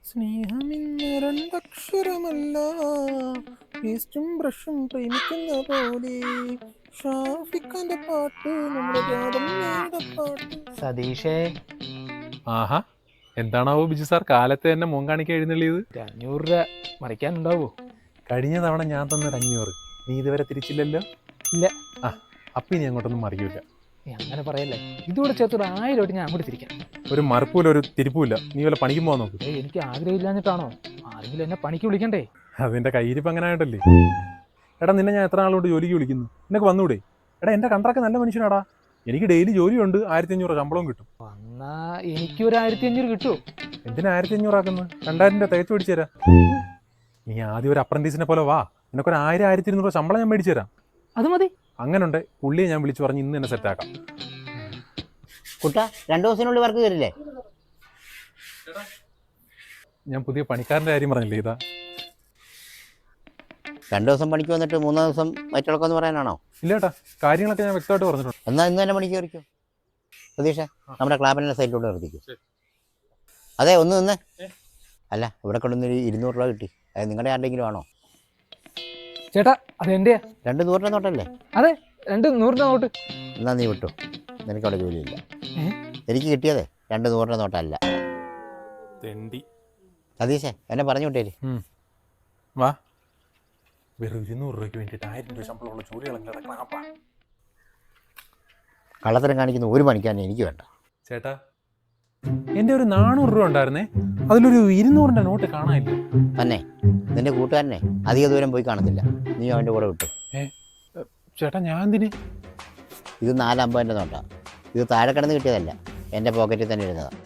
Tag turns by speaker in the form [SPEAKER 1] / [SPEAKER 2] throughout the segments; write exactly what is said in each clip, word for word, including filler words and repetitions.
[SPEAKER 1] സ്നേഹമിന്ന് രണ്ടക്ഷരമല്ല, പേസ്റ്റും ബ്രഷും പ്രേമിക്കുന്ന പോലെ. ഷാഫിഖാന്റെ പാട്ട് നമ്മുടെ ജാതമ്മയുടെ പാട്ട്.
[SPEAKER 2] സതീഷേ,
[SPEAKER 3] ആഹാ, എന്താണാവോ ബിജു സാർ കാലത്ത് തന്നെ മോൻ കാണിക്കാൻ എഴുന്നള്ളിയത്?
[SPEAKER 2] ഒരു അഞ്ഞൂറ് രൂപ മറിക്കാനുണ്ടാവോ?
[SPEAKER 3] കഴിഞ്ഞ തവണ ഞാൻ തന്നൊരു അഞ്ഞൂറ് നീ ഇതുവരെ തിരിച്ചില്ലല്ലോ.
[SPEAKER 2] ഇല്ല.
[SPEAKER 3] ആ അപ്പം ഇനി അങ്ങോട്ടൊന്നും മറിയൂല.
[SPEAKER 2] നീ അങ്ങനെ പറയല്ലേ, ഇതുകൂടെ ചേർത്തൊരു ആയിരം രൂപ ഞാൻ അങ്ങോട്ട് തിരിക്കാം.
[SPEAKER 3] ഒരു മറുപ്പൂല ഒരു തിരിപ്പൂല. നീ വല്ല പണിക്കും പോകാൻ നോക്ക്.
[SPEAKER 2] ഏയ്, എനിക്ക് ആഗ്രഹമില്ലാഞ്ഞിട്ടാണോ? ആരെങ്കിലും എന്നെ പണിക്ക് വിളിക്കണ്ടേ?
[SPEAKER 3] അതിന്റെ കയ്യിരിപ്പ് അങ്ങനെ ആയിട്ടല്ലേ. എടാ നിന്നെ ഞാൻ എത്ര നാളുകൊണ്ട് ജോലിക്ക് വിളിക്കുന്നു, നിനക്ക് വന്നൂടെ? എടാ എൻ്റെ കണ്ടറൊക്കെ നല്ല മനുഷ്യനാടാ, എനിക്ക് ഡെയിലി ജോലിയുണ്ട്, ആയിരത്തി അഞ്ഞൂറ് ശമ്പളവും കിട്ടും.
[SPEAKER 2] വന്നാ എനിക്കൊരു ആയിരത്തി അഞ്ഞൂറ് കിട്ടുമോ?
[SPEAKER 3] എന്തിനാ ആയിരത്തി അഞ്ഞൂറാക്കുന്നത്? രണ്ടായിരം രൂപ തേച്ച് പിടിച്ചു തരാം. നീ ആദ്യം ഒരു അപ്രന്റീസിനെ പോലെ വാ, നിനക്കൊരു ആയിരം ആയിരത്തി ഇരുന്നൂറ് ശമ്പളം ഞാൻ മേടിച്ചു തരാം.
[SPEAKER 2] അത് മതി.
[SPEAKER 3] അങ്ങനുണ്ട്, പുള്ളിയെ ഞാൻ വിളിച്ചു പറഞ്ഞ് ഇന്ന് തന്നെ സെറ്റാക്കാം.
[SPEAKER 4] കുട്ട രണ്ടു ദിവസത്തിനുള്ളിൽ വർക്ക് കയറില്ലേ?
[SPEAKER 3] ഞാൻ പുതിയ പണിക്കാരൻ്റെ കാര്യം പറഞ്ഞില്ലേ, ഇതാ.
[SPEAKER 4] രണ്ടു ദിവസം പണിക്ക് വന്നിട്ട് മൂന്നാം ദിവസം മറ്റുള്ളക്കെന്ന് പറയാനാണോ?
[SPEAKER 3] ഇല്ല ഏട്ടാ, കാര്യങ്ങളൊക്കെ ഞാൻ വ്യക്തമായിട്ട് പറഞ്ഞിട്ടുണ്ട്.
[SPEAKER 4] എന്നാൽ ഇന്ന് തന്നെ പണിക്ക് കയറിക്കോ. പ്രതീക്ഷ നമ്മുടെ ക്ലാബിൻ്റെ സൈഡിലൂടെ നിർത്തിക്കും. അതെ, ഒന്ന് നിന്ന്. അല്ല, ഇവിടെ കൊണ്ടുവന്നൊരു ഇരുന്നൂറ് രൂപ കിട്ടി. അത് നിങ്ങളുടെ ആരുടെങ്കിലും ആണോ?
[SPEAKER 2] ചേട്ടാ, അതെന്റെയാ.
[SPEAKER 4] രണ്ട് നൂറിൻ്റെ നോട്ടല്ലേ?
[SPEAKER 2] അതെ, രണ്ട് നൂറിന്റെ നോട്ട്.
[SPEAKER 4] എന്നാ നീ വിട്ടു, നിനക്ക് അവിടെ ജോലിയില്ല.
[SPEAKER 2] ഏ?
[SPEAKER 4] എനിക്ക് കിട്ടിയതേ രണ്ട് നൂറിൻ്റെ നോട്ടല്ല.
[SPEAKER 3] തെണ്ടി.
[SPEAKER 4] സതീശേ, എന്നെ പറഞ്ഞു വിട്ടേര്.
[SPEAKER 3] വാ, വെറും ഇരുന്നൂറ് രൂപയ്ക്ക് വേണ്ടിയിട്ട് ആയിരം രൂപ ശമ്പളമുള്ള ജോലി കളഞ്ഞ
[SPEAKER 4] കള്ളത്തരം കാണിക്കുന്ന ഒരു പണിക്കാരനെ എനിക്ക് വേണ്ട.
[SPEAKER 3] ചേട്ടാ, എൻ്റെ ഒരു നാനൂറ് രൂപ ഉണ്ടായിരുന്നേ, അതിലൊരു ഇരുന്നൂറിൻ്റെ നോട്ട് കാണാനില്ല.
[SPEAKER 4] തന്നെ നിന്റെ കൂട്ടുകാരനെ അധിക ദൂരം പോയി കാണത്തില്ല, നീ അവൻ്റെ കൂടെ വിട്ടു.
[SPEAKER 3] ഏ ചേട്ടാ, ഞാൻ എന്തിന്?
[SPEAKER 4] ഇത് നാലമ്പതിൻ്റെ നോട്ടാണ്. ഇത് താഴെ കിടന്ന് കിട്ടിയതല്ല, എൻ്റെ പോക്കറ്റിൽ തന്നെ ഇരുന്നതാണ്.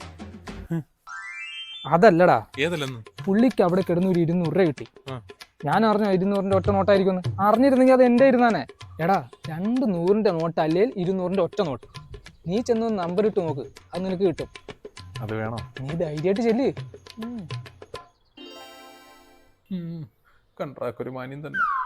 [SPEAKER 2] അതല്ലടാ,
[SPEAKER 3] ഏതല്ലെന്ന്
[SPEAKER 2] പുള്ളിക്ക് അവിടെ കിടന്ന് ഒരു ഇരുന്നൂറ് രൂപ കിട്ടി.
[SPEAKER 3] ആ.
[SPEAKER 2] ഞാൻ അറിഞ്ഞോ ഇരുന്നൂറിന്റെ ഒറ്റ നോട്ടായിരിക്കും? അറിഞ്ഞിരുന്നെങ്കിൽ അത് എൻ്റെ ഇരുന്നാനെ. എടാ, രണ്ട് നൂറിന്റെ നോട്ട് അല്ലെങ്കിൽ ഇരുന്നൂറിന്റെ ഒറ്റ നോട്ട്. നീ ചെന്ന് നമ്പർ ഇട്ട് നോക്ക്, അത് നിനക്ക് കിട്ടും.
[SPEAKER 3] അത് വേണോ?
[SPEAKER 2] നീ ധൈര്യമായിട്ട് ചെല്ല്.
[SPEAKER 3] കണ്ടാക്കൊരു മാന്യം തന്നെ.